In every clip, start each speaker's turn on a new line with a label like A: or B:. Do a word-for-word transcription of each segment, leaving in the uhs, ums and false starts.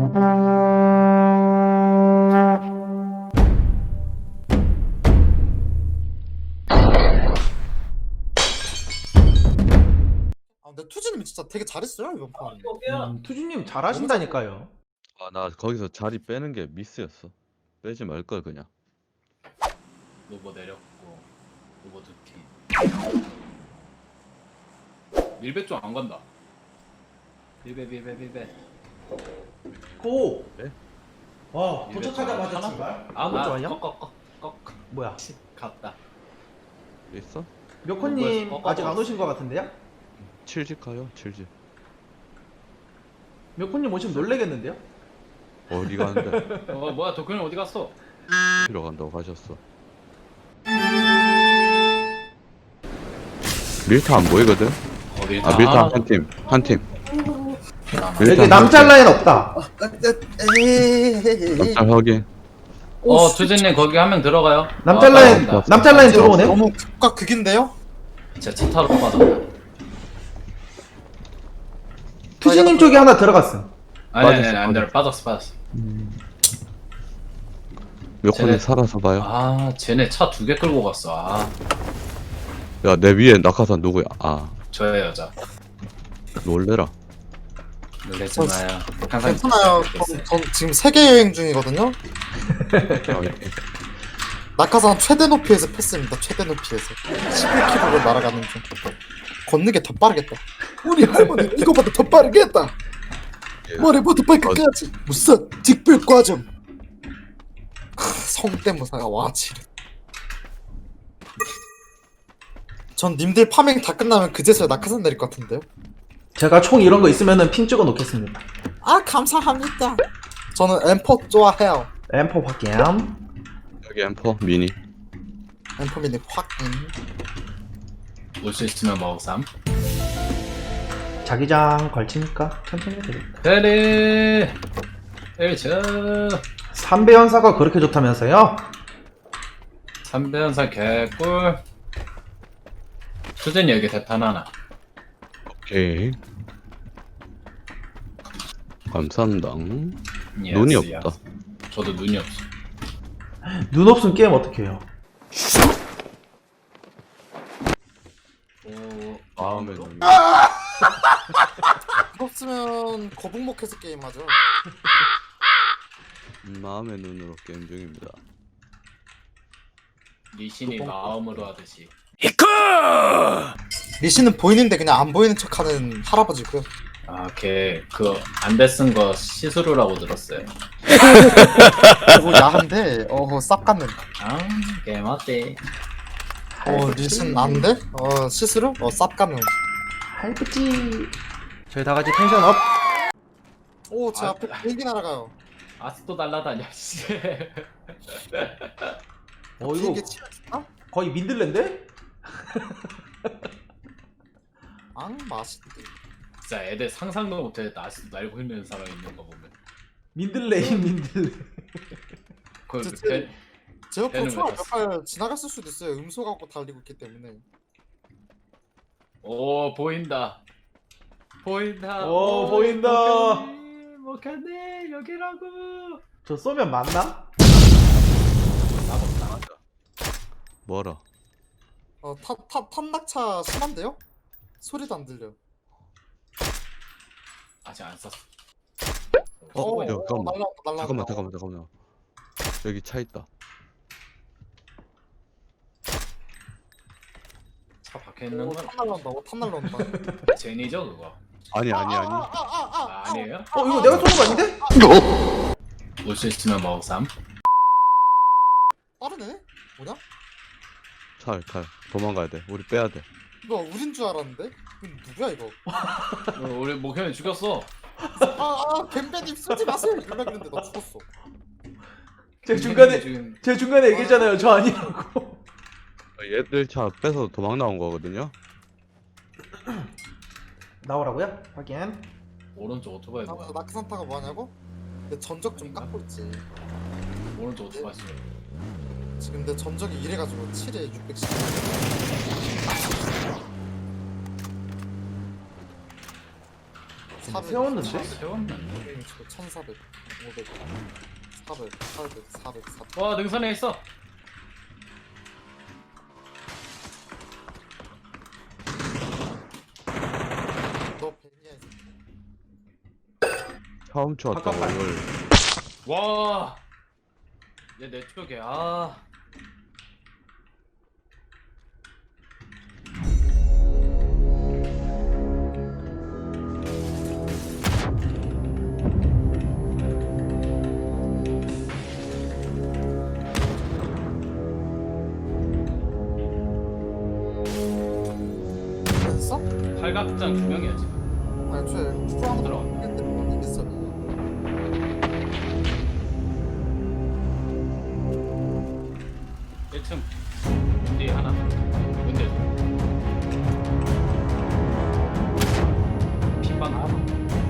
A: 아 근데 투지님이 진짜 되게 잘했어요 이번 판.
B: 음, 투지님 잘하신다니까요.
C: 아, 나 거기서 자리 빼는 게 미스였어. 빼지 말걸 그냥.
D: 로버 내렸고 로버 두팀 밀배 쪽 안 간다. 밀배 밀배 밀배.
B: 고!
C: 네?
B: 와,
D: 밀배
B: 도착하자마자
D: 쪽
B: 출발?
D: 아,
B: 그거
D: 아,
B: 좋아요?
D: 꺾꺾꺾
B: 뭐야?
D: 갔다.
C: 있어?
B: 묘코님
D: 어, 어,
B: 아직
D: 어.
B: 안 오신 것 같은데요?
C: 칠집 가요, 칠집.
B: 묘코님 오시면 놀래겠는데요?
C: 어디 가는데?
D: 어 뭐야 도쿄는 어디 갔어?
C: 어디로 간다고 가셨어? 밀타 안 보이거든?
D: 어디?
C: 아, 밀타 한 팀, 한 팀.
B: 여기 남짤 라인 없다.
C: 남짤 확인.
D: 어 투진님 거기 한 명 들어가요.
B: 남짤
D: 아,
B: 라인,
D: 따라온다.
B: 남짤 라인 들어오네?
A: 너무 극과 극인데요?
D: 제 차 타러 가다.
B: 투지님 쪽에 하나 들어갔음.
D: 아니 아니
C: 빠졌어,
D: 아니 안 들어 빠졌어 빠졌어.
C: 몇
D: 쟤네-
C: 번에 살아서 봐요.
D: 아 쟤네 차 두 개 끌고 갔어. 아
C: 야, 내 위에 낙하산 누구야? 아,
D: 저의 여자.
C: 놀래라.
D: 놀라지 마요. 항상
A: 괜찮아요. 전, 전 지금 세계 여행 중이거든요. 낙하산 최대 높이에서 패스입니다. 최대 높이에서 십일 킬로미터로 날아가는 중. 걷는 게 더 빠르겠다. 우리 할머니 이거보다 더 빠르겠다. 머리부터 발끝까지 무슨 직별 과정. 성대모사가 와 지르. 전 님들 파밍 다 끝나면 그제서야 낙하산 내릴 것 같은데요.
B: 제가 총 이런 거 있으면은 핑 찍어 놓겠습니다.
A: 아 감사합니다. 저는 엠포 좋아해요.
B: 엠포 확인.
C: 여기 엠퍼 미니.
A: 엠포 미니 확인.
D: 올 수 있으면 먹삼.
B: 자기장 걸치니까 천천히 해도 되겠다.
D: 그래. 일저
B: 삼배 연사가 그렇게 좋다면서요?
D: 삼배연사 개꿀. 수진이 여기 대탄 하나.
C: 오케이. 감사합니다.
D: 예스,
C: 눈이
D: 예스.
C: 없다.
D: 저도 눈이 없어.
B: 눈 없으면 게임 어떻게 해요?
D: 오,
C: 마음에
D: 마음으로?
C: 눈이.
A: 없으면 거북목해서 게임하죠.
C: 마음의 눈으로 게임 중입니다.
D: 리신이 마음으로 하듯이.
A: 리시는 보이는데 그냥 안 보이는 척하는 할아버지고요.
D: 아, 걔 그 안대 쓴 거 시스루라고 들었어요.
A: 어 야한데 어 쌉 같는.
D: 아, 걔 맞대.
A: 어 리신 안돼? 어 시스루? 어 쌉 같는.
B: 할부지. 저희 다 같이 텐션 업.
A: 오제
D: 아,
A: 앞에 비행기 날아가요.
D: 아직도 날라다녀. 씨.
B: 어 이거
A: 비행기 치면 아?
B: 거의 민들레인데?
A: 앙 맛있대.
D: 진짜 애들 상상도 못했다. 아직도 날고 있는 사람 있는 거 보면.
B: 민들레인 민들레.
D: 그
A: 진짜
D: 배-
A: 제 옆으로
D: 배는
A: 총알
D: 왜
A: 몇발 지나갔을 수도 있어요. 음소 갖고 달리고 있기 때문에.
D: 오 보인다. 보인다.
B: 오, 보인다.
D: 못했네 여기라고.
B: 저 쏘면 맞나?
C: 뭐라?
A: 어탑탑 탐낙차 심한데요? 소리도 안 들려.
D: 아직 안 썼어.
C: 어,
A: 어,
C: 야, 잠깐만.
A: 날라온다, 날라온다.
C: 잠깐만, 잠깐만, 잠깐만. 여기 차 있다.
D: 차 박혀 있는
A: 오,
D: 건
A: 탑 날라온다. 오, 탑 날라온다.
D: 제니죠 그거.
C: 아니, 아니, 아니.
A: 아, 아, 아, 아,
D: 아, 아니에요?
B: 어 이거 내가 쏘는 거 아닌데?
D: 올 수 있으면 먹삼.
A: 빠르네? 뭐냐?
C: 차, 차. 도망가야 돼. 우리 빼야 돼.
A: 이거 우린 줄 알았는데? 이거 누구야 이거?
D: 어, 우리 목현이 죽였어.
A: 아아 뱀배님 쏘지 마세요 이러려 그랬는데 너 죽었어.
B: 제가 중간에
D: 지금
B: 제가 중간에 얘기했잖아요. 저 아니라고.
C: 얘들 차 빼서 도망 나온 거거든요.
B: 나오라고요? 확인.
D: 오른쪽 오토바이
A: 나
D: 뭐야?
A: 낙산타가 뭐하냐고? 내 전적 좀 깎고 있지.
D: 오른쪽 오토바이 있어.
A: 지금 내 전적이 이래가지고 칠에 육백십.
B: 같은데 세웠는데?
D: 세웠는데.
A: 천사백, 오백, 사백, 팔백, 사백, 사백.
D: 와 능선에 있어.
A: 너 벤이야 이 새끼.
C: 처음 쳤다
B: 잠깐만.
C: 오늘.
D: 와. 얘 내 쪽에 아.
A: 됐어?
D: 팔각장 두 명이야 지금.
A: 아니 애초에 추가한
D: 들어가.
A: 거 했는데 있어.
D: 일 층 뒤에 하나. 문제. 핀방 하나.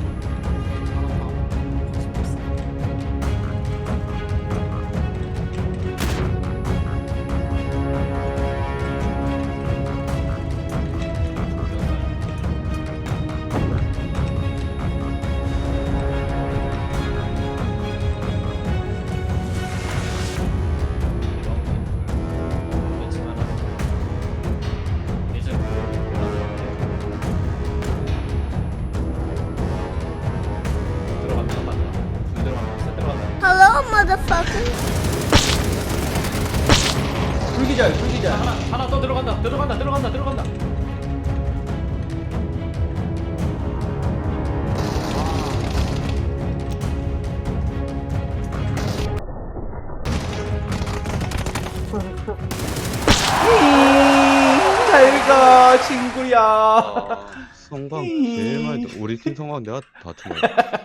E: Hello, motherfucker.
B: 불기절 불기절.
D: 하나 하나 더 들어간다 들어간다 들어간다 들어간다.
B: 잘가 친구야.
C: 아, 성광 제일 많이 들- 우리 팀 성광 내가 다 쳐먹어.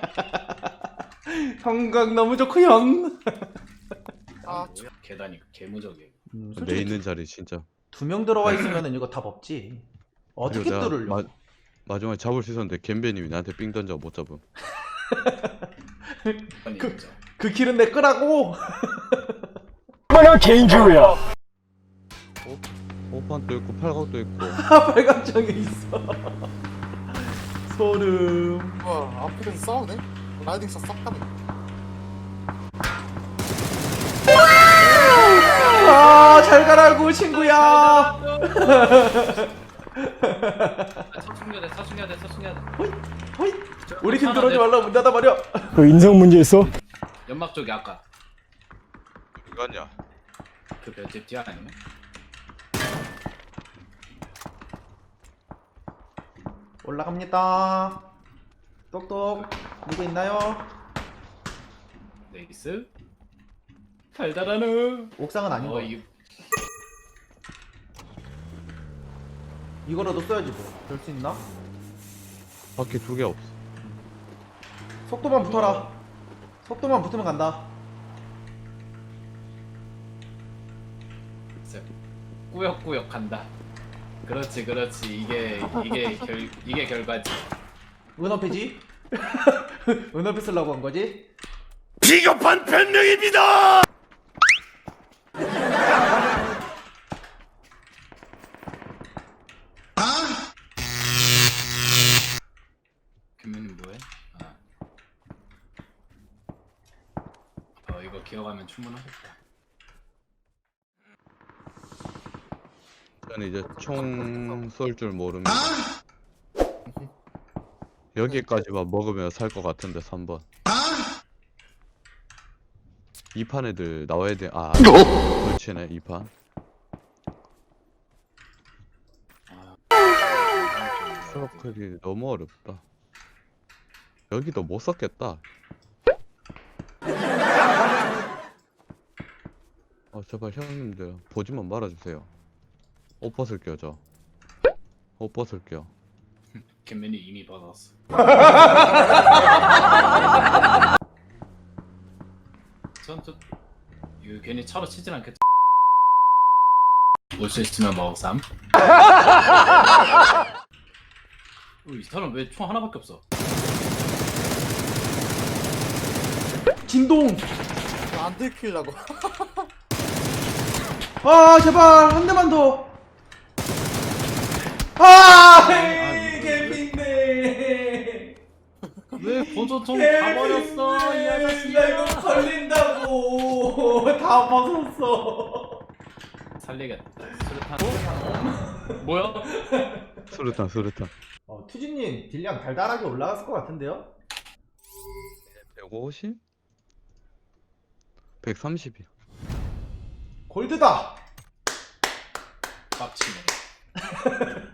B: 형각 너무 좋고 형.
A: 아,
D: 뭐야? 계단이 개무적이야.
B: 음,
C: 내
B: 솔직히
C: 있는 자리 진짜.
B: 두 명 들어가 있으면은 이거 답 없지. 어떻게
C: 그리고 내가
B: 뚫으려?
C: 마, 마지막에 잡을 수 있었는데 겜베님이 나한테 삥 던져 못 잡음.
D: 아니
B: 그-
D: 진짜.
B: 그 길은 내 거라고.
C: 오판도 있고 팔각도 있고.
B: 빨간정에 있어. 소름.
A: 뭐야 앞에서 싸우네? 라이딩샷 싹 가네.
B: 아, 잘 가라고 친구야.
D: 사충해야 돼 사충해야 돼 사충해야 돼.
B: 호이. 우리 팀 들어오지 말라 문 닫아 버려.
F: 그 인성 문제 있어?
D: 연막 쪽에 아까
C: 이거냐?
D: 그 별집 뒤 아니면?
B: 올라갑니다. 똑똑. 누구 있나요?
D: 네이스. 달달하누.
B: 옥상은 아닌
D: 어
B: 거.
D: 이
B: 이거라도 써야지 뭐. 별 수 있나?
C: 바퀴 두 개 없어.
B: 속도만 붙어라. 속도만 붙으면 간다.
D: 진짜 꾸역꾸역 간다. 그렇지 그렇지 이게 이게 결 이게 결과지.
B: 은어패지? 은어패 쓰려고 한 거지?
F: 비겁한 변명입니다!
D: 김민님 뭐해? 아. 어 이거 기억하면 충분하겠다.
C: 저는 이제 총 쏠 줄 모릅니다. 여기까지만 먹으면 살 것 같은데 삼 번. 이 판 애들 나와야 돼. 아, 그렇지네 이 판. 서클이 너무 어렵다. 여기도 못 썼겠다. 아 제발 형님들 보지만 말아주세요. 옷 벗을게요 저. 옷 벗을게요.
D: 김민이 이미 받았어. 전저 이거 괜히 차로 치진 않겠지? 올 수 있으면 먹삼. 어, 이 사람 왜 총 하나밖에 없어?
B: 진동!
A: 안 들키려고.
B: 아, 제발 한 대만 더. 아,
D: 아니,
B: 개민네.
D: 왜 보조총 다 버렸어 이
B: 나 이거
D: 아저씨야.
B: 걸린다고 다 벗었어.
D: 살리겠다. 수류탄. 뭐야?
C: 수류탄 수류탄.
B: 어, 투지님 딜량 달달하게 올라갔을 것 같은데요?
C: 백오십? 백삼십이야.
B: 골드다.
D: 빡치네.